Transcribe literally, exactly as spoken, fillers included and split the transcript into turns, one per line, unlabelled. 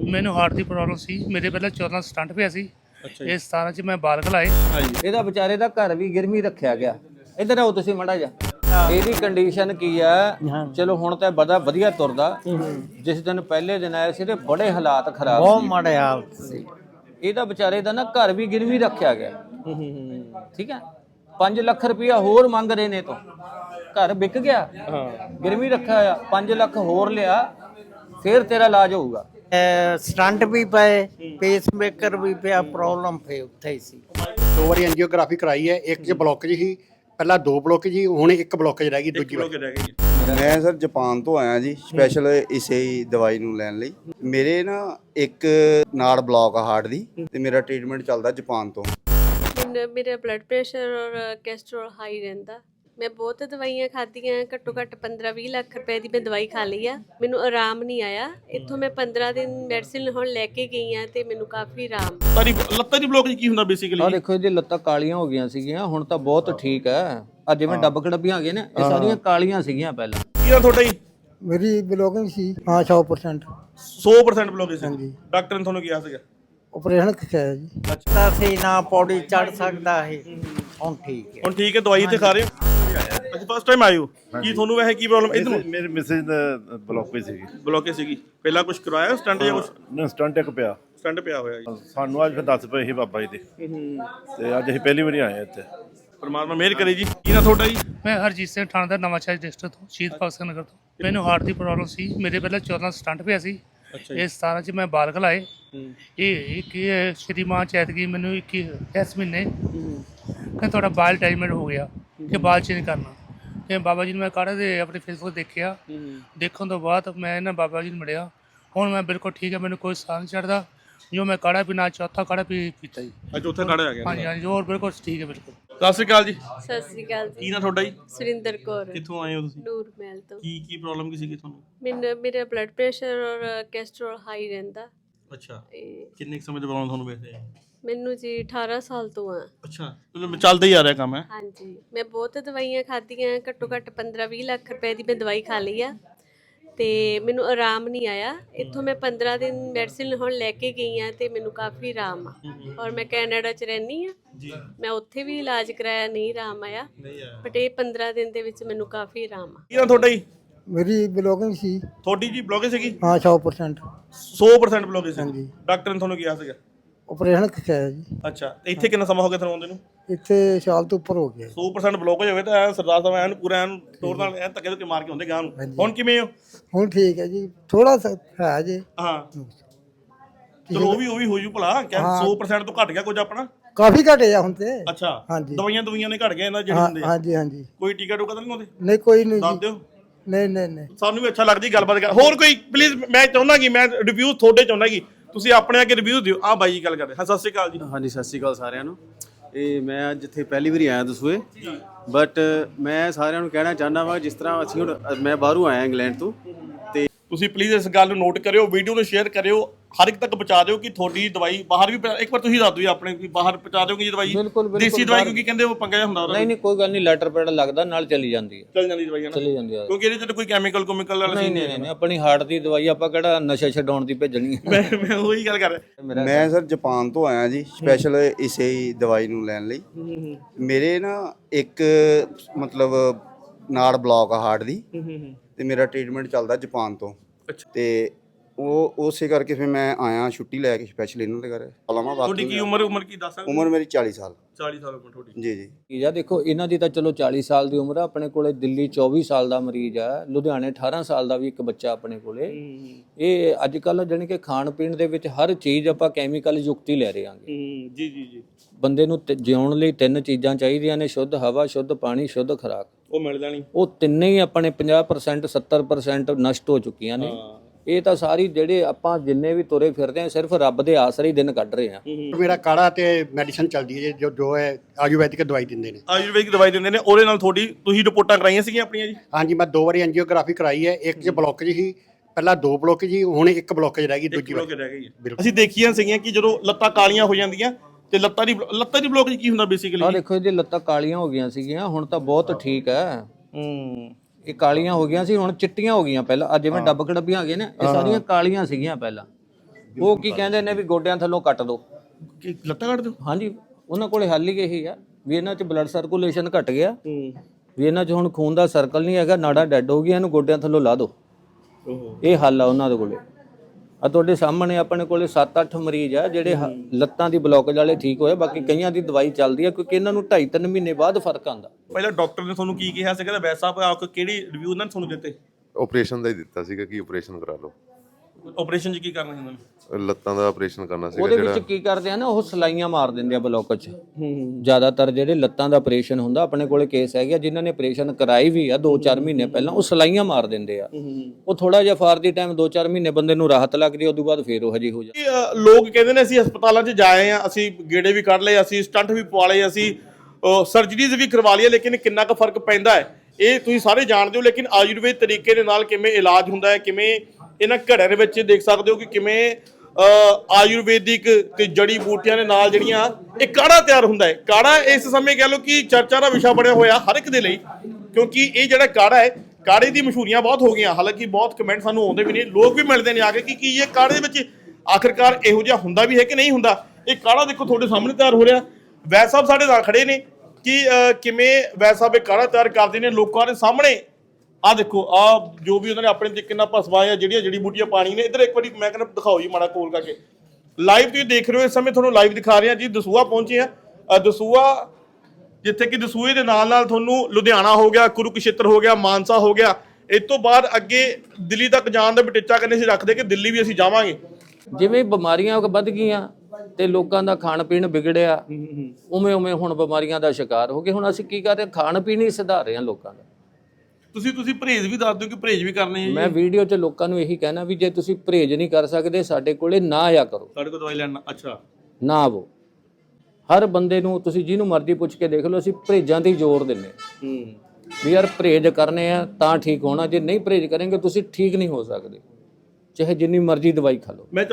ਮੈਨੂੰ ਹਾਰਟ ਦੀ ਪ੍ਰੋਬਲਮ ਸੀ। ਮੇਰੇ ਪਹਿਲਾਂ ਚੌਦਾਂ ਸਟੰਟ ਪਿਆ ਸੀ। ਇਹ ਸਤਾਰਾਂ ਚ ਮੈਂ ਬਾਲ ਖਲਾਏ।
ਇਹਦਾ ਵਿਚਾਰੇ ਦਾ ਘਰ ਵੀ ਗਿਰਵੀ ਰੱਖਿਆ ਗਿਆ। ਇੱਧਰ ਆਓ ਤੁਸੀਂ ਮਾੜਾ ਜਿਹਾ। ਇਹਦੀ ਕੰਡੀਸ਼ਨ ਕੀ ਆ? ਚਲੋ ਹੁਣ ਤਾਂ ਬੜਾ ਵਧੀਆ ਤੁਰਦਾ। ਜਿਸ ਦਿਨ ਪਹਿਲੇ ਦਿਨ ਆਇਆ ਸੀ ਤੇ ਬੜੇ ਹਾਲਾਤ ਖਰਾਬ ਸੀ, ਬਹੁਤ ਮਾੜੇ ਹਾਲਤ ਸੀ। ਇਹਦਾ ਵਿਚਾਰੇ ਦਾ ਨਾ ਘਰ ਵੀ ਗਿਰਵੀ ਰੱਖਿਆ ਗਿਆ। ਠੀਕ ਹੈ, ਪੰਜ ਲੱਖ ਰੁਪਇਆ ਹੋਰ ਮੰਗ ਰਹੇ ਨੇ। ਤੋਂ ਘਰ ਵਿਕ ਗਿਆ, ਗਿਰਵੀ ਰੱਖਿਆ ਆ। ਪੰਜ ਲੱਖ ਹੋਰ ਲਿਆ, ਫਿਰ ਤੇਰਾ ਇਲਾਜ ਹੋਊਗਾ।
ਸਟੰਟ ਵੀ ਪਏ, ਪੇਸ ਮੇਕਰ ਵੀ ਪਿਆ, ਪ੍ਰੋਬਲਮ ਫੇ ਉੱਥੇ ਹੀ ਸੀ।
ਦੋ ਵਾਰੀ ਐਂਜੀਓਗ੍ਰਾਫੀ ਕਰਾਈ ਹੈ। ਇੱਕ ਚ ਬਲੋਕੇਜ ਸੀ, ਪਹਿਲਾਂ ਦੋ ਬਲੋਕੇਜ ਸੀ, ਹੁਣ ਇੱਕ ਬਲੋਕੇਜ ਰਹਿ ਗਈ, ਦੂਜੀ ਵਾਰੀ।
ਮੈਂ ਸਰ ਜਾਪਾਨ ਤੋਂ ਆਇਆ ਜੀ, ਸਪੈਸ਼ਲ ਇਸੇ ਹੀ ਦਵਾਈ ਨੂੰ ਲੈਣ ਲਈ। ਮੇਰੇ ਨਾ ਇੱਕ ਨਾੜ ਬਲੌਕ ਆ ਹਾਰਟ ਦੀ, ਤੇ ਮੇਰਾ ਟ੍ਰੀਟਮੈਂਟ ਚੱਲਦਾ ਜਾਪਾਨ ਤੋਂ।
ਮੇਰਾ ਬਲੱਡ ਪ੍ਰੈਸ਼ਰ ਔਰ ਕੋਲੇਸਟ੍ਰੋਲ ਹਾਈ ਰਹਿੰਦਾ। ਮੈਂ ਬਹੁਤ ਦਵਾਈਆਂ ਖਾਧੀਆਂ, ਘੱਟੋ ਘੱਟ ਪੰਦਰਾਂ ਵੀਹ ਲੱਖ ਰੁਪਏ ਦੀ ਮੈਂ ਦਵਾਈ ਖਾ ਲਈ ਆ, ਮੈਨੂੰ ਆਰਾਮ ਨਹੀਂ ਆਇਆ। ਇੱਥੋਂ ਮੈਂ ਪੰਦਰਾਂ ਦਿਨ ਮੈਡੀਸਿਨ ਹੁਣ ਲੈ ਕੇ ਗਈ ਆ ਤੇ ਮੈਨੂੰ ਕਾਫੀ ਆਰਾਮ।
ਤਾਰੀ ਲੱਤਾਂ ਦੀ ਬਲੌਕ ਕੀ ਹੁੰਦਾ ਬੇਸਿਕਲੀ?
ਆ ਦੇਖੋ, ਇਹਦੀ ਲੱਤਾਂ ਕਾਲੀਆਂ ਹੋ ਗਈਆਂ ਸੀਗੀਆਂ, ਹੁਣ ਤਾਂ ਬਹੁਤ ਠੀਕ ਹੈ। ਆ ਜਿਵੇਂ ਡੱਬ ਕੜੱਬੀਆਂ ਆ ਗਏ ਨੇ, ਇਹ ਸਾਰੀਆਂ ਕਾਲੀਆਂ ਸੀਗੀਆਂ ਪਹਿਲਾਂ।
ਕੀ ਆ ਤੁਹਾਡਾ ਜੀ?
ਮੇਰੀ ਬਲੋਕਿੰਗ ਸੀ ਹਾਂ ਸੌ ਪਰਸੈਂਟ।
ਸੌ ਪਰਸੈਂਟ ਬਲੌਕ ਸੀ। ਡਾਕਟਰ ਨੇ ਤੁਹਾਨੂੰ ਕਿਹਾ ਸੀਗਾ
ਆਪਰੇਸ਼ਨ ਕਿਹਾ ਜੀ। ਅੱਛਾ ਸੀ ਨਾ ਪੌੜੀ ਚੜ ਸਕਦਾ ਹੈ। ਹੁਣ ਠੀਕ ਹੈ,
ਹੁਣ ਠੀਕ ਹੈ, ਦਵਾਈ ਤੇ ਖਾ ਰਹੇ ਹੋ? ਅੱਜ ਫਸਟ ਟਾਈਮ ਆਏ ਹੋ? ਕੀ ਤੁਹਾਨੂੰ ਵੈਸੇ ਕੀ ਪ੍ਰੋਬਲਮ? ਇਧਰ ਨੂੰ।
ਮੇਰੇ ਮਿਸਿਸ ਦਾ ਬਲੌਕੇਜ ਸੀਗੀ।
ਬਲੌਕੇਜ ਸੀਗੀ। ਪਹਿਲਾਂ ਕੁਝ ਕਰਵਾਇਆ ਸਟੰਟ ਜਾਂ ਕੁਝ?
ਨਾ, ਸਟੰਟ ਇੱਕ ਪਿਆ।
ਸਟੰਟ ਪਿਆ ਹੋਇਆ ਜੀ।
ਸਾਨੂੰ ਅੱਜ ਫਿਰ ਦੱਸ ਪਏ ਸੀ ਬਾਬਾ ਜੀ ਦੇ, ਤੇ ਅੱਜ ਅਸੀਂ ਪਹਿਲੀ ਵਾਰੀ ਆਏ ਇੱਥੇ।
ਪਰਮਾਤਮਾ ਮਿਹਰ ਕਰੇ ਜੀ। ਕੀ ਨਾ ਤੁਹਾਡਾ ਜੀ?
ਮੈਂ ਹਰਜੀਤ ਸਿੰਘ ਥਾਣਾ ਦਾ ਨਵਾਂ ਸ਼ਹਿਰ ਡਿਸਟ੍ਰਿਕਟ ਤੋਂ, ਸ਼ਹੀਦ ਭਗਤ ਸਿੰਘ ਨਗਰ ਤੋਂ। ਮੈਨੂੰ ਹਾਰਟ ਦੀ ਪ੍ਰੋਬਲਮ ਸੀ। ਮੇਰੇ ਪਹਿਲਾਂ ਚੌਦਾਂ ਸਟੰਟ ਪਿਆ ਸੀ। ਇਹ ਸਤਾਰਾਂ ਚ ਮੈਂ ਬਾਲ ਖਲਾਏ। ਇਹ ਇੱਕ ਸ਼੍ਰੀਮਾਨ ਚੈਤਗੀ ਮੈਨੂੰ ਇੱਕੀ ਇਸ ਮਹੀਨੇ ਕਿ ਤੁਹਾਡਾ ਬਾਲ ਅਟੈਚਮੈਂਟ ਹੋ ਗਿਆ, ਕਿ ਬਾਲ ਚੇਂਜ ਕਰਨਾ। ਤੇ ਬਾਬਾ ਜੀ ਨੂੰ ਮੈਂ ਕਾੜਾ ਦੇ ਆਪਣੇ ਫੇਸਬੁੱਕ ਦੇਖਿਆ। ਦੇਖਣ ਤੋਂ ਬਾਅਦ ਮੈਂ ਇਹਨਾਂ ਬਾਬਾ ਜੀ ਨੂੰ ਮਿਲਿਆ। ਹੁਣ ਮੈਂ ਬਿਲਕੁਲ ਠੀਕ ਹੈ, ਮੈਨੂੰ ਕੋਈ ਸਾਹ ਨਹੀਂ ਚੜ੍ਹਦਾ। ਜੋ ਮੈਂ ਕਾੜਾ ਪੀਣਾ, ਚੌਥਾ ਕਾੜਾ ਪੀ ਪੀਤਾ ਜੀ।
ਅੱਜ ਉੱਥੇ ਕਾੜਾ ਆ ਗਿਆ।
ਹਾਂਜੀ ਹਾਂਜੀ, ਹੋਰ ਬਿਲਕੁਲ ਠੀਕ ਹੈ, ਬਿਲਕੁਲ।
ਸਤਿ ਸ਼੍ਰੀ ਅਕਾਲ ਜੀ।
ਸਤਿ ਸ੍ਰੀ ਅਕਾਲ ਜੀ।
ਕੀ ਨਾ ਤੁਹਾਡਾ ਜੀ?
ਸੁਰਿੰਦਰ ਕੌਰ।
ਕਿੱਥੋਂ ਆਏ ਹੋ ਤੁਸੀਂ?
ਨੂਰ ਮਹਿਲ ਤੋਂ।
ਕੀ ਕੀ ਪ੍ਰੋਬਲਮ ਕੀ ਸੀਗੀ ਤੁਹਾਨੂੰ?
ਮੈਨੂੰ ਮੇਰਾ ਬਲੱਡ ਪ੍ਰੈਸ਼ਰ ਔਰ ਕੋਲੇਸਟ੍ਰੋਲ ਹਾਈ ਰਹਿੰਦਾ।
ਅੱਛਾ, ਕਿੰਨੇ ਸਮੇਂ ਤੋਂ ਪ੍ਰੋਬਲਮ ਤੁਹਾਨੂੰ ਵੈਸੇ?
ਮੈਨੂੰ ਜੀ ਅਠਾਰਾਂ ਸਾਲ ਤੋਂ ਆ।
ਅੱਛਾ, ਮਤਲਬ ਚੱਲਦਾ ਹੀ ਆ ਰਿਹਾ ਕੰਮ ਹੈ।
ਹਾਂਜੀ, ਮੈਂ ਬਹੁਤ ਦਵਾਈਆਂ ਖਾਧੀਆਂ, ਘੱਟੋ ਘੱਟ ਪੰਦਰਾਂ ਵੀਹ ਲੱਖ ਰੁਪਏ ਦੀ ਮੈਂ ਦਵਾਈ ਖਾ ਲਈ ਆ ਤੇ ਮੈਨੂੰ ਆਰਾਮ ਨਹੀਂ ਆਇਆ। ਇੱਥੋਂ ਮੈਂ ਪੰਦਰਾਂ ਦਿਨ ਮੈਡੀਸਿਨ ਹੁਣ ਲੈ ਕੇ ਗਈ ਆ ਤੇ ਮੈਨੂੰ ਕਾਫੀ ਆਰਾਮ ਆ। ਔਰ ਮੈਂ ਕੈਨੇਡਾ 'ਚ ਰਹਿੰਦੀ ਆ ਜੀ। ਮੈਂ ਉੱਥੇ ਵੀ ਇਲਾਜ ਕਰਾਇਆ, ਨਹੀਂ ਆਰਾਮ ਆਇਆ, ਬਟ ਇਹ ਪੰਦਰਾਂ ਦਿਨ ਦੇ ਵਿੱਚ ਮੈਨੂੰ ਕਾਫੀ ਆਰਾਮ ਆ।
ਕੀ ਨਾ ਤੁਹਾਡਾ ਜੀ?
ਮੇਰੀ ਬਲੋਕਿੰਗ ਸੀ
ਤੁਹਾਡੀ ਜੀ ਬਲੌਕੇਜ ਸੀਗੀ?
ਹਾਂ ਸੌ ਪਰਸੈਂਟ।
ਸੌ ਪਰਸੈਂਟ ਬਲੌਕੇਜ ਸੀ। ਡਾਕਟਰ ਨੇ ਤੁਹਾਨੂੰ ਕਿਹਾ ਸੀਗਾ?
ਆਪਰੇਸ਼ਨ ਕਿਹਾ ਜੀ।
ਅੱਛਾ, ਤੇ ਇੱਥੇ ਕਿੰਨਾ ਸਮਾਂ ਹੋ ਗਿਆ ਤੁਹਾਨੂੰ ਆਉਂਦੇ ਨੂੰ?
ਇੱਥੇ ਸਾਲ ਤੋਂ ਉੱਪਰ ਹੋ ਗਿਆ।
ਸੌ ਪਰਸੈਂਟ ਬਲੌਕੇਜ ਹੋਵੇ ਤਾਂ ਐਨ ਸਰਦਾਰ ਸਾਹਿਬ ਐਨ ਪੂਰਾ ਐਨ ਤੋੜ ਨਾਲ ਐਨ ਧੱਕੇ ਧੁੱਕੇ ਮਾਰ ਕੇ ਹੁੰਦੇ ਗਾਂ ਨੂੰ। ਹੁਣ ਕਿਵੇਂ ਹੋ?
ਹੁਣ ਠੀਕ ਹੈ ਜੀ, ਥੋੜਾ ਹੈ ਜੀ।
ਹਾਂ, ਚਲੋ ਉਹ ਵੀ ਉਹ ਵੀ ਹੋ ਜੂ ਭਲਾ। ਕਿ ਸੌ ਪਰਸੈਂਟ ਤੋਂ ਘਟ ਗਿਆ ਕੁਝ ਆਪਣਾ?
ਕਾਫੀ ਘਟੇ ਆ ਹੁਣ ਤੇ।
ਅੱਛਾ,
ਹਾਂਜੀ।
ਦਵਾਈਆਂ ਦਵਾਈਆਂ ਨੇ ਘਟ ਗਏ ਇਹਨਾਂ ਜਿਹੜੇ ਹੁੰਦੇ?
ਹਾਂਜੀ ਹਾਂਜੀ।
ਕੋਈ ਟੀਕਾ ਟੂਕਾ ਤਾਂ ਨਹੀਂ ਹੁੰਦੇ?
ਨਹੀਂ, ਕੋਈ ਨਹੀਂ
ਦੱਸ ਦਿਓ।
ਨਹੀਂ ਨਹੀਂ ਨਹੀਂ,
ਸਾਨੂੰ ਵੀ ਅੱਛਾ ਲੱਗਦੀ ਗੱਲਬਾਤ ਕਰ। ਹੋਰ ਕੋਈ ਪਲੀਜ਼, ਮੈਂ ਚਾਹੁੰਦਾ ਕਿ ਮੈਂ ਰਿਵਿਊ ਤੁਹਾਡੇ ਚਾਹੁੰਦਾ ਕਿ ਤੁਸੀਂ ਆਪਣੇ ਅੱਗੇ ਰਿਵਿਊ ਦਿਓ। ਆ ਬਾਈ ਜੀ ਗੱਲ ਕਰਦੇ। ਹਾਂ, ਸਤਿ ਸ਼੍ਰੀ ਅਕਾਲ ਜੀ।
ਹਾਂਜੀ, ਸਤਿ ਸ਼੍ਰੀ ਅਕਾਲ ਸਾਰਿਆਂ ਨੂੰ। ਇਹ ਮੈਂ ਅੱਜ ਇੱਥੇ ਪਹਿਲੀ ਵਾਰੀ ਆਇਆ ਦਸੂਏ, ਬਟ ਮੈਂ ਸਾਰਿਆਂ ਨੂੰ ਕਹਿਣਾ ਚਾਹੁੰਦਾ ਵਾਂ, ਜਿਸ ਤਰ੍ਹਾਂ ਅਸੀਂ ਹੁਣ ਮੈਂ ਬਾਹਰੋਂ ਆਇਆ ਇੰਗਲੈਂਡ ਤੋਂ, ਤੇ
ਤੁਸੀਂ ਪਲੀਜ਼ ਇਸ ਗੱਲ ਨੂੰ ਨੋਟ ਕਰਿਓ, ਵੀਡੀਓ ਨੂੰ ਸ਼ੇਅਰ ਕਰਿਓ, ਹਰ ਇੱਕ ਤੱਕ ਪਹੁੰਚਾ ਦਿਓ ਕਿ ਤੁਹਾਡੀ ਦਵਾਈ ਬਾਹਰ ਵੀ ਇੱਕ ਵਾਰ ਤੁਸੀਂ ਦੱਸ ਦਿਓ ਆਪਣੇ ਵੀ ਬਾਹਰ ਪਹੁੰਚਾ ਦਿਓਗੇ ਜੀ ਦਵਾਈ? ਦੇਸੀ ਦਵਾਈ, ਕਿਉਂਕਿ ਕਹਿੰਦੇ ਉਹ ਪੰਗਾ ਜਿਹਾ ਹੁੰਦਾ।
ਨਹੀਂ ਨਹੀਂ, ਕੋਈ ਗੱਲ ਨਹੀਂ, ਲੈਟਰ ਪੈਡ ਲੱਗਦਾ ਨਾਲ ਚਲੀ ਜਾਂਦੀ ਹੈ।
ਚੱਲ ਜਾਂਦੀ ਦਵਾਈ ਹੈ ਨਾ?
ਚਲੀ ਜਾਂਦੀ ਹੈ,
ਕਿਉਂਕਿ ਇਹਦੇ 'ਚ ਕੋਈ ਕੈਮੀਕਲ ਕੈਮੀਕਲ ਵਾਲਾ
ਨਹੀਂ ਨਹੀਂ ਨਹੀਂ। ਆਪਣੀ ਹਾਰਟ ਦੀ ਦਵਾਈ ਆਪਾਂ ਕਿਹੜਾ ਨਸ਼ਾ ਛਡਾਉਣ ਦੀ ਭੇਜਣੀ ਹੈ।
ਮੈਂ ਮੈਂ ਉਹੀ ਗੱਲ ਕਰ ਰਿਹਾ।
ਮੈਂ ਸਰ ਜਾਪਾਨ ਤੋਂ ਆਇਆ ਜੀ, ਸਪੈਸ਼ਲ ਇਸੇ ਹੀ ਦਵਾਈ ਨੂੰ ਲੈਣ ਲਈ। ਮੇਰੇ ਨਾ ਇੱਕ ਮਤਲਬ ਨਾੜ ਬਲੌਕ ਆ ਹਾਰਟ ਦੀ, ਤੇ ਮੇਰਾ ਟ੍ਰੀਟਮੈਂਟ ਚੱਲਦਾ ਜਾਪਾਨ ਤੋਂ। ਤੇ ਉਹ ਉਸੇ ਕਰਕੇ ਫਿਰ ਮੈਂ ਆਇਆ ਛੁੱਟੀ ਲੈ ਕੇ ਸਪੈਸ਼ਲ ਇਹਨਾਂ ਦੇ ਘਰ।
ਤੁਹਾਡੀ ਕੀ ਉਮਰ ਉਮਰ ਕੀ ਦੱਸ ਸਕਦੇ?
ਉਮਰ ਮੇਰੀ ਚਾਲੀ ਸਾਲ।
ਚਾਲੀ ਸਾਲ ਉਮਰ ਤੁਹਾਡੀ?
ਜੀ ਜੀ।
ਕੀ ਆ, ਦੇਖੋ ਇਹਨਾਂ ਦੀ ਤਾਂ ਚਲੋ ਚਾਲੀ ਸਾਲ ਦੀ ਉਮਰ ਆ। ਆਪਣੇ ਕੋਲੇ ਦਿੱਲੀ ਚੌਵੀ ਸਾਲ ਦਾ ਮਰੀਜ਼ ਆ, ਲੁਧਿਆਣੇ ਅਠਾਰਾਂ ਸਾਲ ਦਾ ਵੀ ਇੱਕ ਬੱਚਾ ਆਪਣੇ ਕੋਲੇ। ਇਹ ਅੱਜ ਕੱਲ੍ਹ ਜਾਣੀ ਕਿ ਖਾਣ ਪੀਣ ਦੇ ਵਿੱਚ ਹਰ ਚੀਜ਼ ਆਪਾਂ ਕੈਮੀਕਲ ਯੁਕਤ ਹੀ ਲੈ ਰਹੇ ਹਾਂਗੇ।
ਜੀ ਜੀ ਜੀ।
ਬੰਦੇ ਨੂੰ ਜਿਉਣ ਲਈ ਤਿੰਨ ਚੀਜ਼ਾਂ ਚਾਹੀਦੀਆਂ ਨੇ: ਸ਼ੁੱਧ ਹਵਾ, ਸ਼ੁੱਧ ਪਾਣੀ, ਸ਼ੁੱਧ ਖੁਰਾਕ।
ਉਹ ਮਿਲਦਾ ਨਹੀਂ।
ਉਹ ਤਿੰਨੇ ਹੀ ਆਪਣੇ ਪੰਜਾਹ ਪਰਸੈਂਟ ਸੱਤਰ ਪਰਸੈਂਟ ਨਸ਼ਟ ਹੋ ਚੁੱਕੀਆਂ ਨੇ। ਇਹ ਤਾਂ ਸਾਰੀ ਜਿਹੜੇ ਆਪਾਂ ਜਿੰਨੇ ਵੀ ਤੁਰੇ ਫਿਰਦੇ ਆ, ਸਿਰਫ ਰੱਬ ਦੇ ਆਸਰੇ ਹੀ ਦਿਨ ਕੱਢ ਰਹੇ ਆ।
ਮੇਰਾ ਕਾੜਾ ਤੇ ਮੈਡੀਸਨ ਚੱਲਦੀ ਹੈ ਜੋ ਜੋ ਹੈ ਆਯੁਰਵੈਦਿਕ ਦਵਾਈ ਦਿੰਦੇ ਨੇ।
ਆਯੁਰਵੈਦਿਕ ਦਵਾਈ ਦਿੰਦੇ ਨੇ, ਉਹਦੇ ਨਾਲ ਤੁਹਾਡੀ ਤੁਸੀਂ ਰਿਪੋਰਟਾਂ ਕਰਾਈਆਂ ਸੀਗੀਆਂ ਆਪਣੀਆਂ ਜੀ?
ਹਾਂਜੀ, ਮੈਂ ਦੋ ਵਾਰੀ ਐਂਜੀਓਗ੍ਰਾਫੀ ਕਰਾਈ ਹੈ। ਇੱਕ ਚ ਬਲੋਕੇਜ ਸੀ, ਪਹਿਲਾਂ ਦੋ ਬਲੋਕੇਜ ਸੀ, ਹੁਣ ਇੱਕ ਬਲੋਕੇਜ ਰਹਿ ਗਈ, ਦੂਜੀ ਵਾਰੀ
ਰਹਿ ਗਈ। ਅਸੀਂ ਦੇਖੀਆਂ ਸੀਗੀਆਂ ਕਿ ਜਦੋਂ ਲੱਤਾਂ ਕਾਲੀਆਂ ਹੋ ਜਾਂਦੀਆਂ ਤੇ ਲੱਤਾਂ ਦੀ ਲੱਤਾਂ ਦੀ ਬਲੋਕੇਜ ਕੀ ਹੁੰਦਾ ਬੇਸਿਕਲੀ?
ਆ ਦੇਖੋ, ਇਹਦੀ ਲੱਤਾਂ ਕਾਲੀਆਂ ਹੋ ਗਈਆਂ ਸੀਗੀਆਂ, ਹੁਣ ਤਾਂ ਬਹੁਤ ਠੀਕ ਹੈ। ਹੂੰ, ਇਹ ਕਾਲੀਆਂ ਹੋ ਗਈਆਂ ਸੀ, ਹੁਣ ਚਿੱਟੀਆਂ ਹੋ ਗਈਆਂ ਪਹਿਲਾਂ। ਆ ਜਿਵੇਂ ਡੱਬ ਕੜੱਬੀਆਂ ਆ ਗਏ ਨੇ, ਇਹ ਸਾਰੀਆਂ ਕਾਲੀਆਂ ਸੀਗੀਆਂ ਪਹਿਲਾਂ। ਉਹ ਕੀ ਕਹਿੰਦੇ ਨੇ ਵੀ ਗੋਡਿਆਂ ਥੱਲੋਂ ਕੱਟ ਦਿਓ।
ਕਿ ਲੱਤਾਂ ਕੱਢ ਦਿਓ?
ਹਾਂਜੀ, ਉਹਨਾਂ ਕੋਲੇ ਹੱਲ ਹੀ ਇਹੀ ਆ ਵੀ ਇਹਨਾਂ 'ਚ ਬਲੱਡ ਸਰਕੂਲੇਸ਼ਨ ਘਟ ਗਿਆ, ਵੀ ਇਹਨਾਂ 'ਚ ਹੁਣ ਖੂਨ ਦਾ ਸਰਕਲ ਨਹੀਂ ਹੈਗਾ, ਨਾੜਾਂ ਡੈੱਡ ਹੋ ਗਈਆਂ, ਇਹਨੂੰ ਗੋਡਿਆਂ ਥੱਲੋਂ ਲਾ ਦਿਓ। ਇਹ ਹੱਲ ਆ ਉਹਨਾਂ ਦੇ ਕੋਲੇ। ਆ ਤੁਹਾਡੇ ਸਾਹਮਣੇ ਆਪਣੇ ਕੋਲੇ ਸੱਤ ਅੱਠ ਮਰੀਜ਼ ਆ ਜਿਹੜੇ ਹ- ਲੱਤਾਂ ਦੀ ਬਲੌਕੇਜ ਵਾਲੇ ਠੀਕ ਹੋਏ, ਬਾਕੀ ਕਈਆਂ ਦੀ ਦਵਾਈ ਚੱਲਦੀ ਆ ਕਿਉਂਕਿ ਇਹਨਾਂ ਨੂੰ ਢਾਈ ਤਿੰਨ ਮਹੀਨੇ ਬਾਅਦ ਫਰਕ ਆਉਂਦਾ।
ਪਹਿਲਾਂ ਡਾਕਟਰ ਨੇ ਤੁਹਾਨੂੰ ਕੀ ਕਿਹਾ ਸੀ? ਕਹਿੰਦਾ ਵੈਦ ਸਾਹਿਬ ਆ ਕੇ ਕਿਹੜੀ ਰਿਵਿਊ ਉਹਨਾਂ ਨੇ ਤੁਹਾਨੂੰ ਦਿੱਤੇ?
ਆਪਰੇਸ਼ਨ ਦਾ ਹੀ ਦਿੱਤਾ ਸੀਗਾ ਕਿ ਆਪਰੇਸ਼ਨ ਕਰਾ ਲਓ।
ਆਪਰੇਸ਼ਨ 'ਚ ਕੀ ਕਰਨਾ ਸੀ ਉਹਨਾਂ ਨੇ?
ਲੱਤਾਂ ਦਾ ਆਪਰੇਸ਼ਨ ਕਰਨਾ ਸੀਗਾ
ਉਹਦੇ
ਜਿਹੜਾ
ਵਿੱਚ ਕੀ ਕਰਦੇ ਆ ਨਾ, ਉਹ ਸਲਾਈਆਂ ਮਾਰ ਦਿੰਦੇ ਆ ਬਲੌਕੇਜ 'ਚ। ਜ਼ਿਆਦਾਤਰ ਜਿਹੜੇ ਲੱਤਾਂ ਦਾ ਆਪਰੇਸ਼ਨ ਹੁੰਦਾ, ਆਪਣੇ ਕੋਲੇ ਕੇਸ ਹੈਗੇ ਜਿਨ੍ਹਾਂ ਨੇ ਆਪਰੇਸ਼ਨ ਕਰਾਈ ਵੀ ਆ ਦੋ ਚਾਰ ਮਹੀਨੇ ਪਹਿਲਾਂ, ਉਹ ਸਲਾਈਆਂ ਮਾਰ ਦਿੰਦੇ ਆ। ਉਹ ਥੋੜਾ ਜਿਹਾ ਫਾਰ ਦੀ ਟਾਈਮ ਦੋ ਚਾਰ ਮਹੀਨੇ ਬੰਦੇ ਨੂੰ ਰਾਹਤ ਲੱਗਦੀ, ਉਸ ਤੋਂ ਬਾਅਦ ਫੇਰ ਉਹ ਹਜੀ ਹੋ ਜਾਂਦੀ।
ਕਿ, ਅ, ਲੋਕ ਕਹਿੰਦੇ ਨੇ ਅਸੀਂ ਹਸਪਤਾਲਾਂ 'ਚ ਜਾਏ ਆ, ਅਸੀਂ ਗੇੜੇ ਵੀ ਕੱਢ ਲਏ, ਅਸੀਂ ਸਟੰਟ ਵੀ ਪਵਾ ਲਏ, ਅਸੀਂ ਸਰਜਰੀਜ਼ ਵੀ ਕਰਵਾ ਲਈਏ, ਲੇਕਿਨ ਕਿੰਨਾ ਕੁ ਫਰਕ ਪੈਂਦਾ ਹੈ ਇਹ ਤੁਸੀਂ ਸਾਰੇ ਜਾਣਦੇ ਹੋ। ਲੇਕਿਨ ਆਯੁਰਵੇਦ ਤਰੀਕੇ ਦੇ ਨਾਲ ਕਿਵੇਂ ਇਲਾਜ ਹੁੰਦਾ ਹੈ, ਕਿਵੇਂ ਇਹਨਾਂ ਘੜਿਆਂ ਦੇ ਵਿੱਚ ਦੇਖ ਸਕਦੇ ਹੋ ਕਿ ਕਿਵੇਂ ਆਯੁਰਵੈਦਿਕ ਤੇ ਜੜੀ ਬੂਟੀਆਂ ਦੇ ਨਾਲ ਜਿਹੜੀਆਂ ਇਹ ਕਾੜਾ ਤਿਆਰ ਹੁੰਦਾ ਹੈ। ਕਾੜਾ ਇਸ ਸਮੇਂ ਕਹਿ ਲਓ ਕਿ ਚਰਚਾ ਦਾ ਵਿਸ਼ਾ ਬਣਿਆ ਹੋਇਆ ਹਰ ਇੱਕ ਦੇ ਲਈ, ਕਿਉਂਕਿ ਇਹ ਜਿਹੜਾ ਕਾੜਾ ਹੈ, ਕਾੜੇ ਦੀ ਮਸ਼ਹੂਰੀਆਂ ਬਹੁਤ ਹੋ ਗਈਆਂ। ਹਾਲਾਂਕਿ ਬਹੁਤ ਕਮੈਂਟ ਸਾਨੂੰ ਆਉਂਦੇ ਵੀ ਨੇ, ਲੋਕ ਵੀ ਮਿਲਦੇ ਨੇ ਆ ਕੇ ਕਿ ਕੀ ਇਹ ਕਾੜੇ ਦੇ ਵਿੱਚ ਆਖਿਰਕਾਰ ਇਹੋ ਜਿਹਾ ਹੁੰਦਾ ਵੀ ਹੈ ਕਿ ਨਹੀਂ ਹੁੰਦਾ। ਇਹ ਕਾੜਾ ਦੇਖੋ ਤੁਹਾਡੇ ਸਾਹਮਣੇ ਤਿਆਰ ਹੋ ਰਿਹਾ। ਵੈਦ ਸਾਹਿਬ ਸਾਡੇ ਨਾਲ ਖੜੇ ਨੇ ਕਿ ਕਿਵੇਂ ਵੈਦ ਸਾਹਿਬ ਇਹ ਕਾੜਾ ਤਿਆਰ ਕਰਦੇ ਨੇ ਲੋਕਾਂ ਦੇ ਸਾਹਮਣੇ। ਆ ਦੇਖੋ, ਆ ਜੋ ਵੀ ਉਹਨਾਂ ਨੇ ਆਪਣੇ ਤਰੀਕੇ ਨਾਲ ਭਸਵਾ ਜਾਂ ਜਿਹੜੀਆਂ ਜੜੀ ਬੂਟੀਆਂ ਪਾਣੀ ਨੇ, ਇੱਧਰ ਇੱਕ ਵਾਰੀ ਮੈਂ ਕਹਿੰਦਾ ਦਿਖਾਓ ਜੀ ਮਾੜਾ ਕੋਲ ਕਰਕੇ। ਲਾਈਵ ਤੁਸੀਂ ਦੇਖ ਰਹੇ ਹੋ, ਇਸ ਸਮੇਂ ਤੁਹਾਨੂੰ ਲਾਈਵ ਦਿਖਾ ਰਹੇ ਹਾਂ ਜੀ। ਦਸੂਹਾ ਪਹੁੰਚੇ ਆ, ਦਸੂਹਾ ਜਿੱਥੇ ਕਿ ਦਸੂਹੇ ਦੇ ਨਾਲ ਨਾਲ ਤੁਹਾਨੂੰ ਲੁਧਿਆਣਾ ਹੋ ਗਿਆ, ਕੁਰੂਕਸ਼ੇਤਰ ਹੋ ਗਿਆ, ਮਾਨਸਾ ਹੋ ਗਿਆ। ਇਸ ਤੋਂ ਬਾਅਦ ਅੱਗੇ ਦਿੱਲੀ ਤੱਕ ਜਾਣ ਦਾ ਵੀ ਟੀਚਾ ਕਰਨੇ ਸੀ ਰੱਖਦੇ ਕਿ ਦਿੱਲੀ ਵੀ ਅਸੀਂ ਜਾਵਾਂਗੇ।
ਜਿਵੇਂ ਬਿਮਾਰੀਆਂ ਵੱਧ ਗਈਆਂ ਤੇ ਲੋਕਾਂ ਦਾ ਖਾਣ ਪੀਣ ਵਿਗੜਿਆ, ਉਵੇਂ ਉਵੇਂ ਹੁਣ ਬਿਮਾਰੀਆਂ ਦਾ ਸ਼ਿਕਾਰ ਹੋ ਗਏ। ਹੁਣ ਅਸੀਂ ਕੀ ਕਰ ਰਹੇ, ਖਾਣ ਪੀਣ ਹੀ ਸੁਧਾਰ ਰਹੇ ਹਾਂ ਲੋਕਾਂ ਦਾ।
ਤੁਸੀਂ ਤੁਸੀਂ ਪਰਹੇਜ਼ ਵੀ ਦੱਸ ਦਿਓ ਕਿ ਪਰਹੇਜ਼ ਵੀ ਕਰਨੇ ਹੈ।
ਮੈਂ ਵੀਡੀਓ 'ਚ ਲੋਕਾਂ ਨੂੰ ਇਹੀ ਕਹਿਣਾ ਵੀ ਜੇ ਤੁਸੀਂ ਪਰਹੇਜ਼ ਨਹੀਂ ਕਰ ਸਕਦੇ, ਸਾਡੇ ਕੋਲੇ ਨਾ ਆਇਆ ਕਰੋ।
ਸਾਡੇ ਕੋਲ ਦਵਾਈ ਲੈਣਾ? ਅੱਛਾ,
ਨਾ ਆਵੋ। ਹਰ ਬੰਦੇ ਨੂੰ ਤੁਸੀਂ ਜਿਹਨੂੰ ਮਰਜ਼ੀ ਪੁੱਛ ਕੇ ਦੇਖ ਲਓ, ਅਸੀਂ ਪਰਹੇਜ਼ਾਂ ਤੇ ਜ਼ੋਰ ਦਿੰਦੇ ਹਾਂ ਵੀ ਯਾਰ ਪਰਹੇਜ਼ ਕਰਨੇ ਆ ਤਾਂ ਠੀਕ ਹੋਣਾ, ਜੇ ਨਹੀਂ ਪਰਹੇਜ਼ ਕਰਾਂਗੇ ਤੁਸੀਂ ਠੀਕ ਨਹੀਂ ਹੋ ਸਕਦੇ, ਚਾਹੇ ਜਿੰਨੀ ਮਰਜ਼ੀ ਦਵਾਈ ਖਾ ਲਓ।